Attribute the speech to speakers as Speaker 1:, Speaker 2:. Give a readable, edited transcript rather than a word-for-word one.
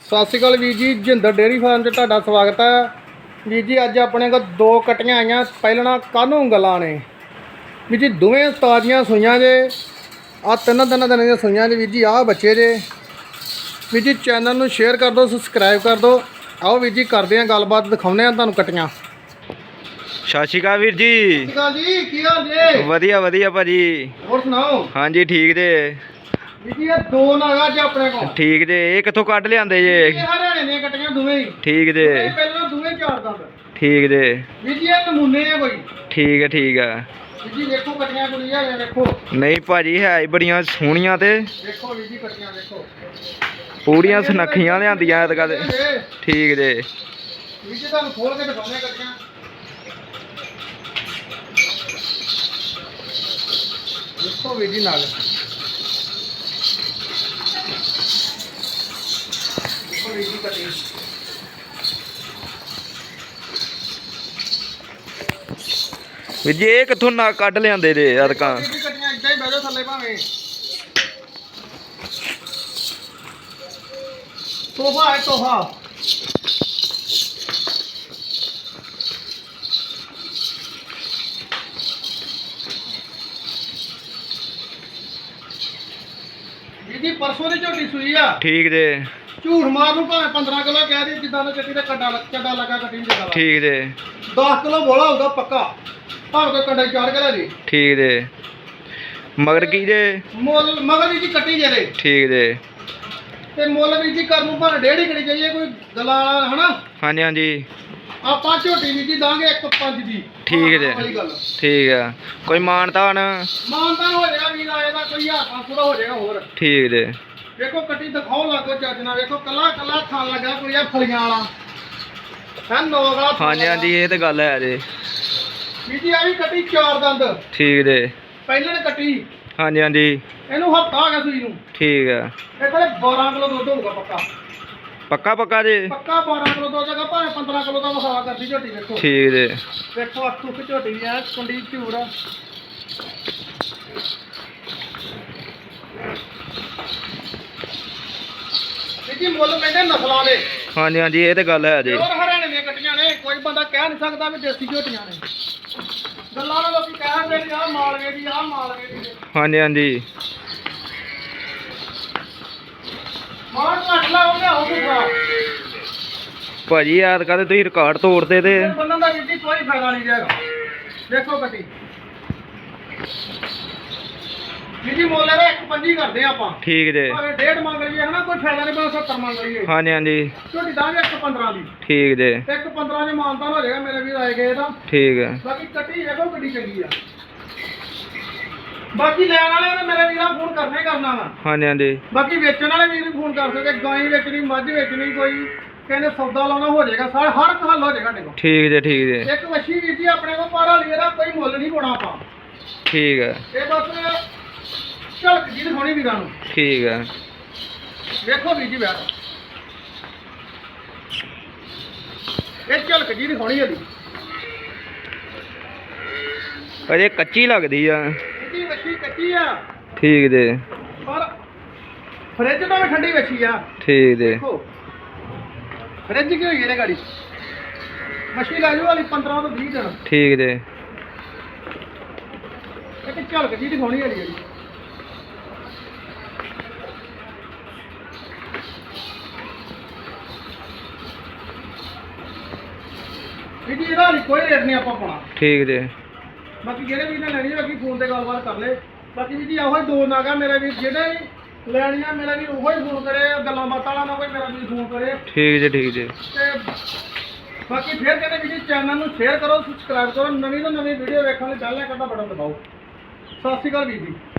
Speaker 1: ਸਤਿ ਸ਼੍ਰੀ ਅਕਾਲ ਵੀਰ ਜੀ, Jinder dairy farm 'ਚ ਤੁਹਾਡਾ ਸਵਾਗਤ ਹੈ। ਵੀਰ ਜੀ ਅੱਜ ਆਪਣੇ ਕੋਲ ਦੋ ਕਟੀਆਂ ਆਈਆਂ ਪਹਿਲਣਾ ਕਾਹਨੂੰ ਗੱਲਾਂ ਨੇ। ਵੀਰ ਜੀ ਦੋਵੇਂ ਤਾਜ਼ੀਆਂ ਸੂਈਆਂ ਜੇ, ਆ ਤਿੰਨ ਦਿਨਾਂ ਦੀਆਂ ਸੂਈਆਂ ਜੇ। ਵੀਰ ਜੀ ਆਹ ਬੱਚੇ ਜੇ। ਵੀਰ ਜੀ ਚੈਨਲ ਨੂੰ ਸ਼ੇਅਰ ਕਰ ਦਿਓ, ਸਬਸਕ੍ਰਾਈਬ ਕਰ ਦਿਓ। ਆਓ ਵੀਰ ਜੀ ਕਰਦੇ ਹਾਂ ਗੱਲਬਾਤ, ਦਿਖਾਉਂਦੇ ਹਾਂ ਤੁਹਾਨੂੰ ਕਟੀਆਂ।
Speaker 2: ਸਤਿ ਸ਼੍ਰੀ ਅਕਾਲ ਵੀਰ ਜੀ।
Speaker 1: ਸਤਿ ਸ਼੍ਰੀ ਅਕਾਲ ਜੀ, ਕੀ ਹਾਲ ਜੇ?
Speaker 2: ਵਧੀਆ ਵਧੀਆ ਭਾਜੀ।
Speaker 1: ਹੋਰ ਸੁਣਾਓ?
Speaker 2: ਹਾਂਜੀ ਠੀਕ ਜੇ।
Speaker 1: ਵੀਰ ਜੀ ਇਹ ਦੋ ਨਾਗਾ ਜੇ ਆਪਣੇ ਕੋਲ।
Speaker 2: ਠੀਕ ਜੇ। ਇਹ ਕਿੱਥੋਂ ਕੱਢ ਲਿਆਂਦੇ ਜੇ?
Speaker 1: ਇਹ ਹਰਿਆਣੇ ਦੀਆਂ ਕਟੀਆਂ ਦੋਵੇਂ ਹੀ।
Speaker 2: ਠੀਕ ਜੇ।
Speaker 1: ਪਹਿਲਾਂ ਦੋਵੇਂ ਚਾਰ ਦੰਦ।
Speaker 2: ਠੀਕ ਜੇ।
Speaker 1: ਵੀਰ ਜੀ ਇਹ ਨਮੂਨੇ ਆ ਕੋਈ।
Speaker 2: ਠੀਕ ਹੈ ਠੀਕ ਆ।
Speaker 1: ਵੀਰ ਜੀ ਵੇਖੋ ਕਟੀਆਂ ਕੁੜੀਆਂ ਨੇ, ਵੇਖੋ।
Speaker 2: ਨਹੀਂ ਭਾਜੀ ਹੈ ਹੀ ਬੜੀਆਂ ਸੋਹਣੀਆਂ ਤੇ
Speaker 1: ਵੇਖੋ ਵੀਰ ਜੀ ਕਟੀਆਂ ਵੇਖੋ,
Speaker 2: ਪੂਰੀਆਂ ਸੁਨੱਖੀਆਂ ਲਿਆਂਦੀਆਂ ਐਤਕਾਂ ਤੇ। ਠੀਕ ਜੇ।
Speaker 1: ਵੀਰ ਜੀ ਤੁਹਾਨੂੰ ਖੋਲ ਕੇ ਦਿਖਾਉਂਦੇ ਕਟੀਆਂ। ਵੇਖੋ ਵੀਰ ਜੀ ਨਾਲ, ਵੇਖੋ ਵੀਰ ਜੀ ਕਟੀਆਂ।
Speaker 2: ਵੀਰ ਜੀ ਇਹ ਕਿੱਥੋਂ ਨਾ ਕੱਢ ਲਿਆਂਦੇ ਜੇ ਐਤਕਾਂ?
Speaker 1: ਵੀਰ ਜੀ ਕਟੀਆਂ ਇੱਦਾਂ ਹੀ ਬਹਿ ਜਾਓ ਥੱਲੇ ਭਾਵੇਂ। ਤੋਹਫਾ ਹੈ ਤੋਹਫਾ। ਵੀਰ ਜੀ ਪਰਸੋਂ ਦੀ ਝੋਟੀ ਸੂਈ ਆ।
Speaker 2: ਠੀਕ ਜੇ।
Speaker 1: ਝੂਠ ਮਾਰ ਨੂੰ ਭਾਵੇਂ 15 ਕਿਲੋ ਕਹਿ ਦੇ, ਜਿੱਦਾਂ ਦਾ ਚੱਟੀ ਦਾ ਕੱਡਾ ਲੱਗਾ ਕਟੀ ਨੂੰ ਜਿੱਦਾਂ ਦਾ।
Speaker 2: ਠੀਕ ਜੇ।
Speaker 1: 10 ਕਿਲੋ ਬੋਲਾ ਹੋਊਗਾ ਪੱਕਾ, ਭਾਵੇਂ ਕੋਈ ਕੰਡਾ ਚਾੜ ਕੇ ਲੈ ਜੀ।
Speaker 2: ਠੀਕ ਜੇ। ਮਗਰ ਕੀ ਜੇ?
Speaker 1: ਮੁੱਲ ਮਗਰ ਵੀ ਜੀ ਕੱਟੀ ਜਿਹੜੇ
Speaker 2: ਠੀਕ ਜੇ।
Speaker 1: ਤੇ ਮੁੱਲ ਵੀ ਜੀ ਕਰਨ ਨੂੰ ਭਾਵੇਂ ਡੇਢ ਹੀ ਕਰੀ ਜਾਈਏ, ਕੋਈ ਗੱਲਾਂ ਵਾਲਾ ਹਨਾ।
Speaker 2: ਹਾਂਜੀ ਹਾਂਜੀ
Speaker 1: ਆਪਾਂ ਝੋਟੀ ਵੀ ਜੀ ਦਾਂਗੇ 1.5 ਦੀ।
Speaker 2: ਠੀਕ ਜੇ।
Speaker 1: ਵਾਲੀ ਗੱਲ
Speaker 2: ਠੀਕ ਆ। ਕੋਈ ਮਾਨਤਾਨ?
Speaker 1: ਮਾਨਤਾਨ ਹੋ ਜਾਏਗਾ ਵੀਰ ਆਏ ਦਾ, ਕੋਈ 1500 ਦਾ ਹੋ ਜਾਏਗਾ ਹੋਰ।
Speaker 2: ਠੀਕ ਜੇ।
Speaker 1: ਵੇਖੋ ਕੱਟੀ ਦਿਖਾਓ ਲੱਗੋ ਚੱਜ ਨਾਲ, ਵੇਖੋ ਕੱਲਾ ਕੱਲਾ ਥਣ ਲੱਗਾ ਕੋਈ ਆ ਫਲੀਆਂ ਵਾਲਾ ਹੈ, ਨੋਕ ਵਾਲਾ ਥਣ
Speaker 2: ਹਾਂਜੀ ਹਾਂਜੀ ਇਹ ਤੇ ਗੱਲ ਹੈ ਜੀ।
Speaker 1: ਵੀਰ ਜੀ ਆ ਵੀ ਕੱਟੀ ਚਾਰ ਦੰਦ
Speaker 2: ਠੀਕ ਜੇ।
Speaker 1: ਪਹਿਲਾਂ ਨੇ ਕੱਟੀ,
Speaker 2: ਹਾਂਜੀ ਹਾਂਜੀ
Speaker 1: ਇਹਨੂੰ ਹਫਤਾ ਆ ਗਿਆ ਸੂਈ ਨੂੰ।
Speaker 2: ਠੀਕ ਆ।
Speaker 1: ਇਹ ਕੋਲੇ 12 ਕਿਲੋ ਦੁੱਧ ਹੋਊਗਾ ਪੱਕਾ।
Speaker 2: ਪੱਕਾ ਜੇ।
Speaker 1: ਪੱਕਾ 12 ਕਿਲੋ ਦੁੱਧ ਹੈਗਾ, ਭਾਵੇਂ 15 ਕਿਲੋ ਦਾ ਵਸਾ ਕਰਦੀ ਝੋਟੀ। ਵੇਖੋ
Speaker 2: ਠੀਕ ਜੇ।
Speaker 1: ਵੇਖੋ ਅੱਖੂ ਕਿ ਝੋਟੀ ਆ ਕੁੰਡੀ ਝੂੜ। ਜੀ ਮੁੱਲ ਕਹਿੰਦੇ ਨਸਲਾਂ ਦੇ।
Speaker 2: ਹਾਂਜੀ ਹਾਂਜੀ ਇਹ ਤੇ ਗੱਲ ਹੈ ਜੀ।
Speaker 1: ਹੋਰ ਹਰਿਆਣੇ ਦੀਆਂ ਕੱਟੀਆਂ ਨੇ, ਕੋਈ ਬੰਦਾ ਕਹਿ ਨਹੀਂ ਸਕਦਾ ਵੀ ਦੇਸੀ ਝੋਟੀਆਂ ਨੇ। ਗੱਲਾਂ ਨਾਲ ਲੋਕੀ ਕਹਿੰਦੇ ਨੇ ਆਹ ਮਾਲਵੇ ਦੀ, ਆਹ ਮਾਲਵੇ ਦੀ।
Speaker 2: ਹਾਂਜੀ ਹਾਂਜੀ
Speaker 1: ਮਾਰ ਘੱਟ ਲਾ ਉਹਨੇ ਹੋਊਗਾ
Speaker 2: ਭਾਜੀ ਯਾਦ ਕਰਦੇ ਤੁਸੀਂ ਰਿਕਾਰਡ ਤੋੜਦੇ ਤੇ।
Speaker 1: ਬੰਦਨ ਦਾ ਵੀਰ ਜੀ ਕੋਈ ਫਾਇਦਾ ਨਹੀਂ ਜਾਏਗਾ। ਦੇਖੋ ਕੱਟੀ ਵੀਰ ਜੀ ਮੁੱਲ ਇਹਦਾ 1.25 ਕਰਦੇ ਆ ਆਪਾਂ।
Speaker 2: ਠੀਕ ਜੇ।
Speaker 1: ਭਾਵੇਂ 1.5 ਮੰਗ ਲਈਏ ਹਨਾ, ਕੋਈ ਫਾਇਦਾ ਨਹੀਂ, 70 ਮੰਗ ਲਈਏ।
Speaker 2: ਹਾਂਜੀ ਹਾਂਜੀ
Speaker 1: ਝੋਟੀ ਦਾਂਗੇ 1.15 ਦੀ।
Speaker 2: ਠੀਕ ਜੇ।
Speaker 1: 1.15 ਚ ਮਾਨਤਾਨ ਹੋ ਜਾਏਗਾ ਮੇਰੇ ਵੀਰ ਆਏ ਗਏ ਦਾ।
Speaker 2: ਠੀਕ ਹੈ।
Speaker 1: ਬਾਕੀ ਕੱਟੀ ਵੇਖੋ ਕਿੱਡੀ ਚੰਗੀ ਆ। ਬਾਕੀ ਲੈਣ ਵਾਲਿਆਂ ਨੇ ਮੇਰੇ ਵੀਰਾਂ ਫੋਨ ਕਰਨਾ ਹੀ ਕਰਨਾ ਵਾ।
Speaker 2: ਹਾਂਜੀ ਹਾਂਜੀ
Speaker 1: ਬਾਕੀ ਵੇਚਣ ਵਾਲੇ ਵੀਰ ਵੀ ਫੋਨ ਕਰ ਸਕਦੇ, ਗਾਂ ਵੇਚਣੀ, ਮੱਝ ਵੇਚਣੀ, ਕੋਈ ਕਹਿੰਦੇ ਸੌਦਾ ਲਾਉਣਾ ਹੋ ਜਾਏਗਾ, ਹਰ ਇੱਕ ਹੱਲ ਹੋ ਜਾਏਗਾ ਸਾਡੇ ਕੋਲ।
Speaker 2: ਠੀਕ ਜੇ। ਠੀਕ ਜੇ।
Speaker 1: ਇੱਕ ਵੱਛੀ ਵੀਰ ਜੀ ਆਪਣੇ ਕੋਲ ਪਾਰਾ ਲਈ, ਇਹਦਾ ਕੋਈ ਮੁੱਲ ਨਹੀਂ ਪਾਉਣਾ ਆਪਾਂ।
Speaker 2: ਠੀਕ ਹੈ।
Speaker 1: ਇਹ ਬਸ ਝਲਕ ਜੀ ਦਿਖਾਉਣੀ ਵੀਰਾਂ ਨੂੰ।
Speaker 2: ਠੀਕ ਹੈ।
Speaker 1: ਵੇਖੋ ਵੀਰ ਜੀ ਬੈਠ, ਇਹ ਝਲਕ ਜੀ ਦਿਖਾਉਣੀ ਇਹਦੀ।
Speaker 2: ਅਜੇ ਕੱਚੀ ਲੱਗਦੀ ਆ।
Speaker 1: ਇਹਦੀ ਵੱਛੀ ਕੱਚੀ ਆ,
Speaker 2: ਠੀਕ ਜੇ।
Speaker 1: ਪਰ ਫਰਿੱਜ ਤੋਂ ਵੀ ਠੰਡੀ ਵੱਛੀ ਆ।
Speaker 2: ਠੀਕ ਜੇ।
Speaker 1: ਦੇਖੋ ਫਰਿੱਜ ਕੀ ਹੋਈ ਇਹਨੇ ਗਾੜੀ, ਮੱਛੀ ਲੈ ਜਾਓ ਵਾਲੀ 15 ਤੋਂ 20 ਦਿਨ।
Speaker 2: ਠੀਕ ਜੇ।
Speaker 1: ਇੱਕ ਝਲਕ ਜੀ ਦਿਖਾਉਣੀ ਵਾਲੀ ਜਿਹੜੀ। ਵੀਰ ਜੀ ਇਹਦਾ ਹਾਲੇ ਕੋਈ ਰੇਟ ਨਹੀਂ ਆਪਾਂ ਪਾਉਣਾ।
Speaker 2: ਠੀਕ ਜੇ।
Speaker 1: ਬਾਕੀ ਜਿਹੜੇ ਵੀ ਨੇ ਲੈਣੀ ਹੈ ਬਾਕੀ ਫੋਨ ਤੇ ਗੱਲਬਾਤ ਕਰ ਲੈ। ਬਾਕੀ ਵੀਰ ਜੀ ਇਹੋ ਹੀ ਦੋ ਨਾਗਾ ਮੇਰੇ ਵੀਰ, ਜਿਹੜੇ ਵੀ ਲੈਣੀਆਂ ਮੇਰਾ ਵੀਰ ਉਹੋ ਹੀ ਫੋਨ ਕਰੇ, ਗੱਲਾਂ ਬਾਤਾਂ ਵਾਲਾ ਨਾ ਕੋਈ ਮੇਰਾ ਵੀਰ ਫੋਨ ਕਰੇ।
Speaker 2: ਠੀਕ ਜੇ। ਠੀਕ ਜੇ।
Speaker 1: ਤੇ ਬਾਕੀ ਫਿਰ ਕਹਿੰਦੇ ਵੀਰ ਜੀ ਚੈਨਲ ਨੂੰ ਸ਼ੇਅਰ ਕਰੋ, ਸਬਸਕ੍ਰਾਈਬ ਕਰੋ, ਨਵੀਂ ਤੋਂ ਨਵੀਂ ਵੀਡੀਓ ਵੇਖਣ ਲਈ ਬੈਲ ਆਈਕਨ ਦਾ ਬਟਨ ਦਬਾਓ। ਸਤਿ ਸ਼੍ਰੀ ਅਕਾਲ ਵੀਰ ਜੀ।